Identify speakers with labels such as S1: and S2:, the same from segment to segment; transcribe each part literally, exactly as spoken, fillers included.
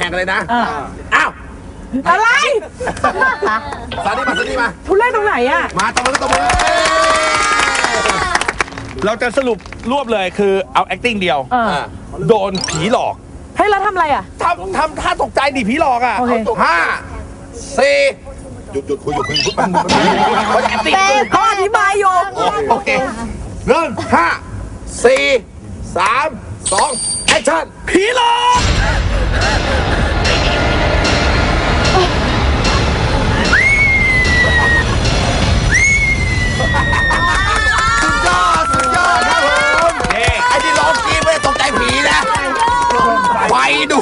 S1: ข่งกันเลยนะอ้าว
S2: อะไร
S1: ซานี่มาซานี่มา
S2: ทุเล่นตรงไหนอะ
S1: มาตรงนี้ตรงนี้
S3: เราจะสรุปรวบเลยคือเอา acting เดียวโดนผีหลอก
S2: เฮ้ยเราทำอะไรอะ
S3: ทำทำท่าตกใจดิผีหลอกอ่ะ
S1: ห้าสี่หยุดหยุดคุยหยุดคุยหยุดมันมัน
S2: เต้เขาอธิบายอยู่
S1: โอเคเริ่มห้าสี่สามสองแอคชั่น
S3: ผีหลอก
S1: สุดยอดสุดยอดครับผมไอ้ที่ร้องกี้ไม่ตกใจผีนะไฟดู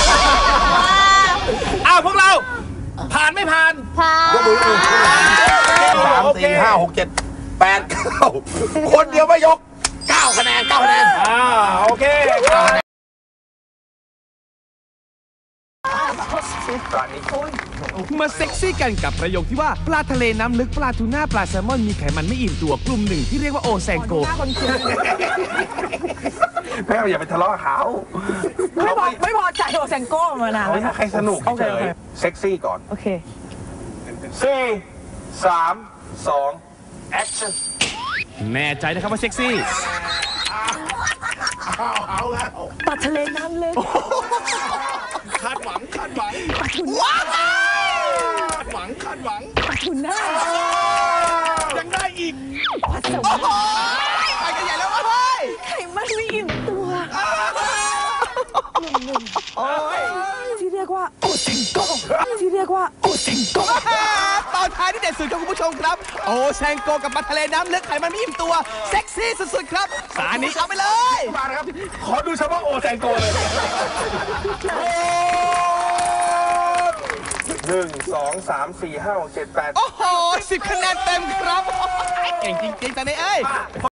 S3: อ้าวพวกเราผ่านไม่ผ่าน
S4: ผ่าน
S1: ยกมือสามสี่ห้าหกเจ็ดแปดเก้าคนเดียวไม่ยกเก้าคะแนนเก้าคะแนน
S3: อ่าโอเค
S5: มาเซ็กซี่กันกับประโยคที่ว่าปลาทะเลน้ำลึกปลาทูน่าปลาแซลมอนมีไขมันไม่อิ่มตัวกลุ่มหนึ่งที่เรียกว่าโอแซงโก
S3: แม่อย่าไปทะเลาะกับเขา
S2: ไม่พอไม่พอใจโอแซงโก้มานาน
S3: แล้วให้สนุกเฉยเซ็กซี่ก่อน
S2: โอเค
S3: สี่สามสองแอคชั่น
S5: แน่ใจนะครับว่าเซ็กซี่
S1: เอาแล้ว
S2: ปลาทะเลน้ำลึก
S3: คาดหวังคาดหวัง
S1: ว้าว
S3: คาดหวังคาดหวัง
S2: ปลาทูน่า
S3: ยังได้อีก
S2: ปลาแซลมอน
S3: ไปกันใหญ่แล้วเฮ้ย
S2: ไข่มันไม่อิ่มตัว
S3: โอ้ย
S2: ที่เรียกว่าโอเซงโกที่เรียกว่าโอเซงโก
S5: ตอนท้ายที่เด็ดสุดครับคุณผู้ชมครับโอแซงโกกับปลาทะเลน้ำลึกไขมันไม่อิ่มตัวเซ็กซี่สุดๆครับสานี้เอาไปเลย
S3: มาครับขอดูเฉพาะโอแซงโกเลยหนึ่งสองสามสี่ห้าหกเจ็ดแปด
S5: โอ้โหสิบคะแนนเต็มครับเก่งจริงๆจังเลยเอ้ย